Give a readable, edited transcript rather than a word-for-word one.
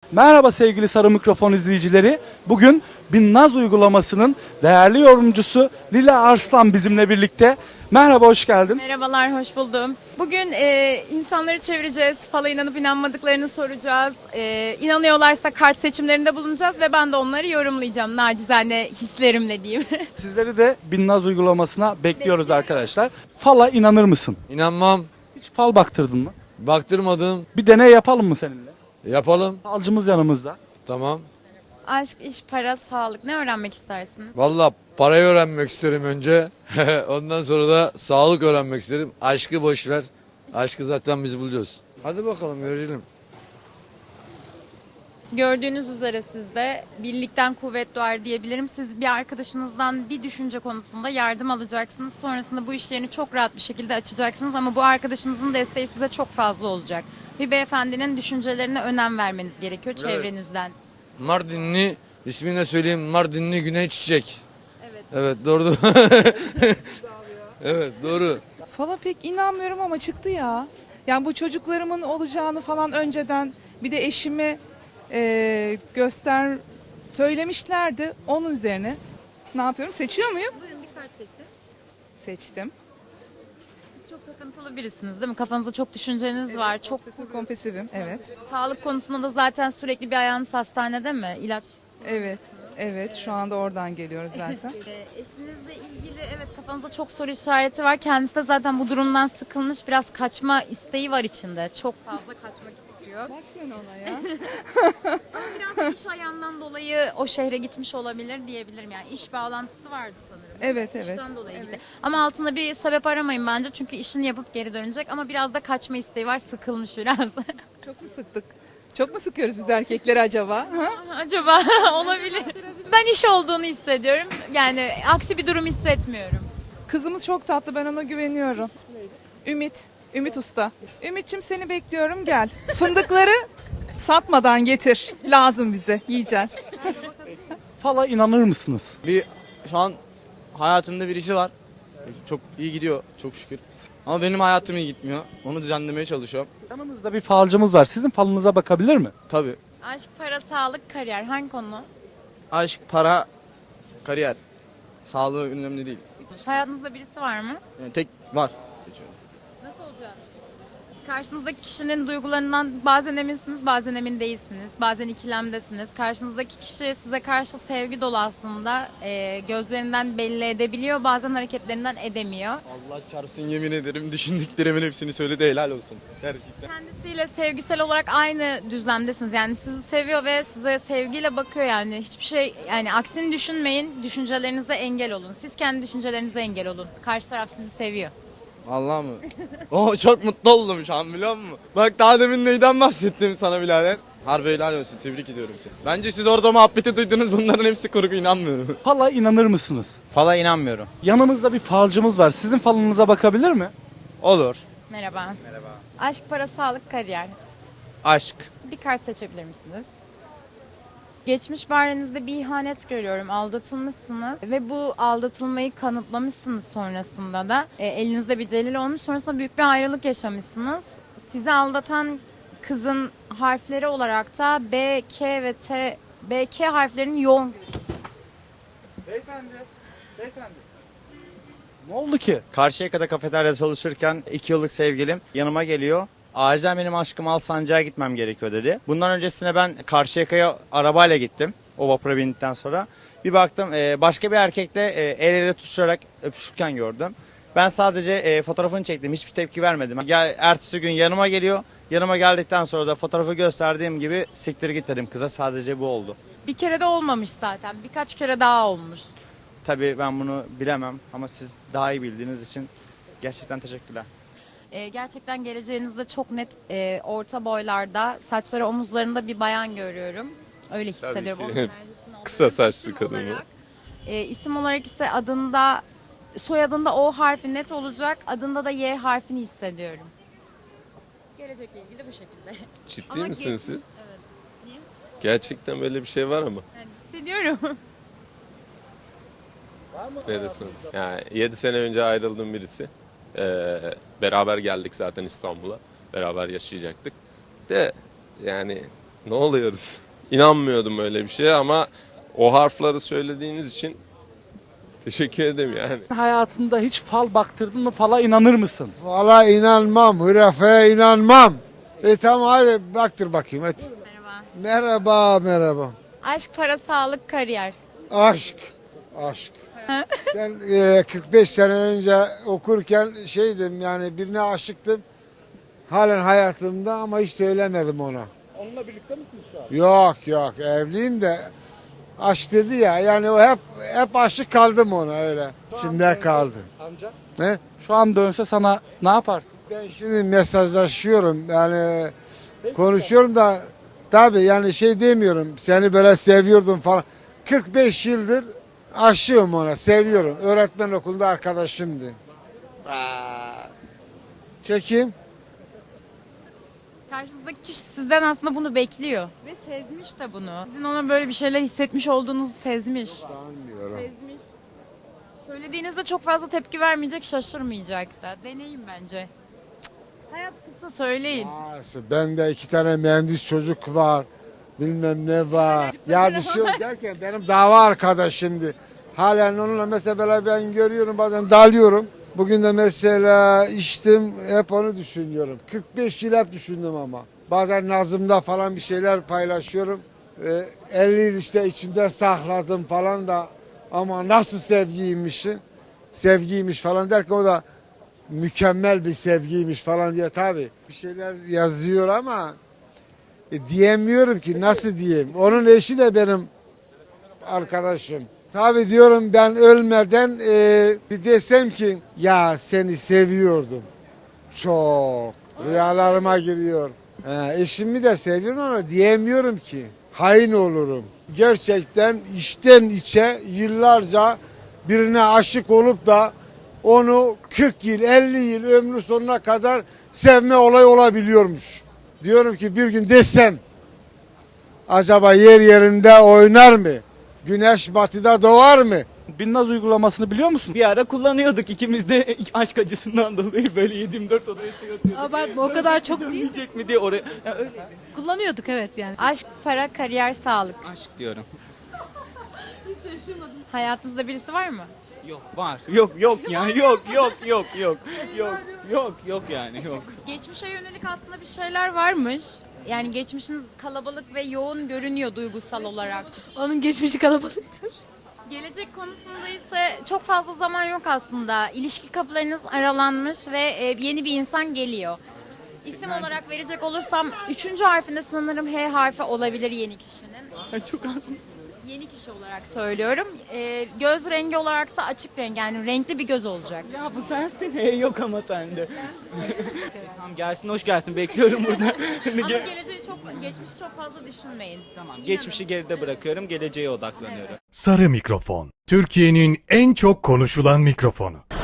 Merhaba sevgili Sarı Mikrofon izleyicileri. Bugün Binnaz uygulamasının değerli yorumcusu Lila Arslan bizimle birlikte. Merhaba, hoş geldin. Merhabalar, hoş buldum. Bugün insanları çevireceğiz, fala inanıp inanmadıklarını soracağız. İnanıyorlarsa kart seçimlerinde bulunacağız ve ben de onları yorumlayacağım nacizane hislerimle diyeyim. Sizleri de Binnaz uygulamasına bekliyoruz arkadaşlar. Fala inanır mısın? İnanmam. Hiç fal baktırdın mı? Baktırmadım. Bir deney yapalım mı seninle? Yapalım. Falcımız yanımızda. Tamam. Aşk, iş, para, sağlık ne öğrenmek istersin? Valla parayı öğrenmek isterim önce. Ondan sonra da sağlık öğrenmek isterim. Aşkı boş ver. Aşkı zaten biz buluyoruz. Hadi bakalım görelim. Gördüğünüz üzere sizde birlikten kuvvet doğar diyebilirim. Siz bir arkadaşınızdan bir düşünce konusunda yardım alacaksınız. Sonrasında bu işlerini çok rahat bir şekilde açacaksınız ama bu arkadaşınızın desteği size çok fazla olacak. Bir beyefendinin düşüncelerine önem vermeniz gerekiyor çevrenizden. Mardinli, ismini de söyleyeyim. Mardinli Güney Çiçek. Evet. Evet doğru. Evet doğru. Fala pek inanmıyorum ama çıktı ya. Yani bu çocuklarımın olacağını falan önceden bir de eşime söylemişlerdi. Onun üzerine ne yapıyorum? Seçiyor muyum? Buyurun bir kart seçin. Seçtim. Siz çok takıntılı birisiniz değil mi? Kafanızda çok düşünceniz var. Çok Obsesif kompulsivim. Evet. sağlık konusunda da zaten sürekli bir ayağınız hastanede mi? İlaç. Evet. Evet. Şu anda oradan geliyoruz zaten. Eşinizle ilgili evet kafanızda çok soru işareti var. Kendisi de zaten bu durumdan sıkılmış. Biraz kaçma isteği var içinde. Çok fazla kaçmak istiyor. Bak sen ona ya. Biraz iş ayağından dolayı o şehre gitmiş olabilir diyebilirim. Yani iş bağlantısı vardı sanırım. Evet, evet. İşten dolayı gitti. Ama altında bir sebep aramayın bence. Çünkü işini yapıp geri dönecek. Ama biraz da kaçma isteği var. Sıkılmış biraz. Çok mu sıktık? Çok mu sıkıyoruz biz erkekleri acaba? Ha? Acaba olabilir. Ben iş olduğunu hissediyorum. Yani aksi bir durum hissetmiyorum. Kızımız çok tatlı. Ben ona güveniyorum. Ümit. Ümit Usta. Ümitçim seni bekliyorum gel. Fındıkları satmadan getir. Lazım bize. Yiyeceğiz. Fala inanır mısınız? Şu an hayatımda birisi var. Çok iyi gidiyor çok şükür. Ama benim hayatım iyi gitmiyor. Onu düzenlemeye çalışıyorum. Yanımızda bir falcımız var. Sizin falınıza bakabilir mi? Tabii. Aşk, para, sağlık, kariyer hangi konu? Aşk, para, kariyer. Sağlığı önemli değil. Hayatınızda birisi var mı? Yani tek var. Nasıl olacak? Karşınızdaki kişinin duygularından bazen eminsiniz, bazen emin değilsiniz. Bazen ikilemdesiniz. Karşınızdaki kişi size karşı sevgi dolu aslında. Gözlerinden belli edebiliyor, bazen hareketlerinden edemiyor. Allah çarpsın yemin ederim düşündüklerimin hepsini söyledi helal olsun. Gerçekten. Kendisiyle sevgisel olarak aynı düzlemdesiniz. Yani sizi seviyor ve size sevgiyle bakıyor yani. Hiçbir şey yani aksini düşünmeyin. Düşüncelerinize engel olun. Siz kendi düşüncelerinize engel olun. Karşı taraf sizi seviyor. Allah mı? Oo, çok mutlu oldum şu an biliyor musun? Bak daha demin neyden bahsettim sana birader. Harbi helal olsun tebrik ediyorum seni. Bence siz orada muhabbeti duydunuz bunların hepsi kurgu inanmıyorum. Fala inanır mısınız? Fala inanmıyorum. Yanımızda bir falcımız var. Sizin falınıza bakabilir mi? Olur. Merhaba. Merhaba. Aşk, para, sağlık, kariyer. Aşk. Bir kart seçebilir misiniz? Geçmiş barenizde bir ihanet görüyorum. Aldatılmışsınız ve bu aldatılmayı kanıtlamışsınız sonrasında da. Elinizde bir delil olmuş. Sonrasında büyük bir ayrılık yaşamışsınız. Sizi aldatan kızın harfleri olarak da B, K ve T, B, K harflerinin yoğun. Beyefendi. Ne oldu ki? Karşıyaka'da kafeteryada çalışırken 2 yıllık sevgilim yanıma geliyor. Acilen benim aşkım Alsancak'a gitmem gerekiyor dedi. Bundan öncesine ben Karşıyaka'ya arabayla gittim. O vapura bindikten sonra. Bir baktım başka bir erkekle el ele tutuşarak öpüşürken gördüm. Ben sadece fotoğrafını çektim. Hiçbir tepki vermedim. Ertesi gün yanıma geliyor. Yanıma geldikten sonra da fotoğrafı gösterdiğim gibi siktir git dedim kıza. Sadece bu oldu. Bir kere de olmamış zaten. Birkaç kere daha olmuş. Tabii ben bunu bilemem ama siz daha iyi bildiğiniz için gerçekten teşekkürler. Gerçekten geleceğinizde çok net orta boylarda, saçları omuzlarında bir bayan görüyorum. Öyle hissediyorum. Onun enerjisini Kısa alıyorum. saçlı İsim kadın mı? olarak, isim olarak ise adında, soyadında O harfi net olacak. Adında da Y harfini hissediyorum. Gelecekle ilgili bu şekilde. Ciddi Ama misiniz geçmiş- siz? Evet. Niye? Gerçekten böyle bir şey var ama. Yani hissediyorum. Ne desem? Yani 7 sene önce ayrıldığım birisi. Beraber geldik zaten İstanbul'a. Beraber yaşayacaktık. De yani Ne oluyoruz? İnanmıyordum öyle bir şeye ama o harfleri söylediğiniz için teşekkür ederim yani. Hayatında hiç fal baktırdın mı? Fala inanır mısın? Valla inanmam, hürafeye inanmam. Tamam hadi baktır bakayım hadi. Merhaba. Merhaba. Aşk, para, sağlık, kariyer. Aşk. Ben 45 sene önce okurken şeydim yani birine aşıktım. Halen hayatımda ama hiç söylemedim ona. Onunla birlikte misiniz şu an? Yok evliyim de aşk dedi ya yani o hep aşık kaldım ona öyle. İçimde kaldı. Amca. Ne? Şu an dönse sana ne yaparsın? Ben şimdi mesajlaşıyorum yani konuşuyorum da tabii yani şey demiyorum seni böyle seviyordum falan. 45 yıldır aşığım ona seviyorum. Öğretmen okulunda arkadaşımdı. Çekeyim. Karşınızdaki kişi sizden aslında bunu bekliyor. Ve sezmiş de bunu. Sizin ona böyle bir şeyler hissetmiş olduğunuzu sezmiş. Sanmıyorum. Sezmiş. Söylediğinizde çok fazla tepki vermeyecek, şaşırmayacak da. Deneyin bence. Cık. Hayat kısa, söyleyin. Nasıl? Bende 2 tane mühendis çocuk var. Bilmem ne var. Yazışıyor derken benim dava arkadaşımdı. Halen onunla mesela ben görüyorum bazen dalıyorum. Bugün de mesela içtim hep onu düşünüyorum. 45 yıl hep düşündüm ama. Bazen nazımda falan bir şeyler paylaşıyorum. 50 yıl işte içimde sakladım falan da ama nasıl sevgiymiş falan derken o da mükemmel bir sevgiymiş falan diye tabii bir şeyler yazıyor ama diyemiyorum ki nasıl diyeyim. Onun eşi de benim arkadaşım. Tabii diyorum ben ölmeden bir desem ki ya seni seviyordum. Çok. Rüyalarıma giriyor. Eşimi de seviyorum ama diyemiyorum ki. Hain olurum. Gerçekten içten içe yıllarca birine aşık olup da onu 40 yıl 50 yıl ömrü sonuna kadar sevme olayı olabiliyormuş. Diyorum ki bir gün desem acaba yer yerinde oynar mı? Güneş batıda doğar mı? Binnaz uygulamasını biliyor musun? Bir ara kullanıyorduk ikimiz de aşk acısından dolayı böyle 7/24 odaya çay atıyorduk. Abartma o kadar çok değil. Dönmeyecek mi diye oraya. Ya öyle. Kullanıyorduk evet yani. Aşk, para, kariyer, sağlık. Aşk diyorum. Hayatınızda birisi var mı? Yok var. Yok yani yok yani yok. Geçmişe yönelik aslında bir şeyler varmış. Yani geçmişiniz kalabalık ve yoğun görünüyor duygusal olarak. Onun geçmişi kalabalıktır. Gelecek konusunda ise çok fazla zaman yok aslında. İlişki kapılarınız aralanmış ve yeni bir insan geliyor. İsim olarak verecek olursam 3. harfinde sanırım H harfi olabilir yeni kişinin. Çok az. Yeni kişi olarak söylüyorum. Göz rengi olarak da açık renk yani renkli bir göz olacak. Ya bu sensin. Yok ama sende. Tamam gelsin hoş gelsin bekliyorum burada. Ama geçmişi çok fazla düşünmeyin. Tamam İnanın. geçmişi geride bırakıyorum geleceğe odaklanıyorum. Sarı mikrofon. Türkiye'nin en çok konuşulan mikrofonu.